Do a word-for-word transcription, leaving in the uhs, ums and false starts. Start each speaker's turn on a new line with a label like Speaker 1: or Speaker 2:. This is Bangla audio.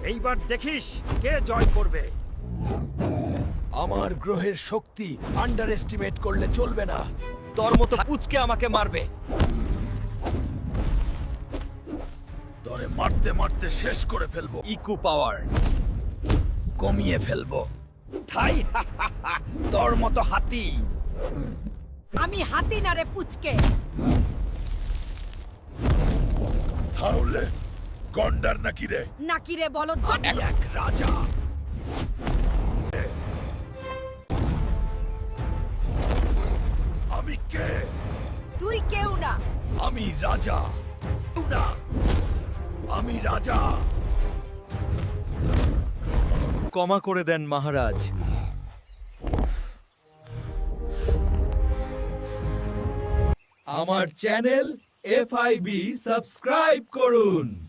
Speaker 1: এইবার দেখিস কে জয় করবে।
Speaker 2: আমার গ্রহের শক্তি আন্ডার এস্টিমেট করলে চলবে না।
Speaker 3: তোর মতো পুচকে আমাকে মারবে।
Speaker 2: তোরে মারতে মারতে শেষ করে ফেলবো।
Speaker 3: ইকু পাওয়ার
Speaker 2: কমিয়ে ফেলবো।
Speaker 3: থাই তোর মতো হাতি।
Speaker 4: আমি হাতি না রে পুচকে।
Speaker 2: তাহলে গন্ডার নাকি রে?
Speaker 4: নাকি রে বলো তো।
Speaker 2: আমি এক রাজা। আমি কে?
Speaker 4: তুই কেউ না।
Speaker 2: আমি রাজা। না, আমি রাজা।
Speaker 3: ক্ষমা করে দেন মহারাজ।
Speaker 2: আমার channel F I B subscribe করুন।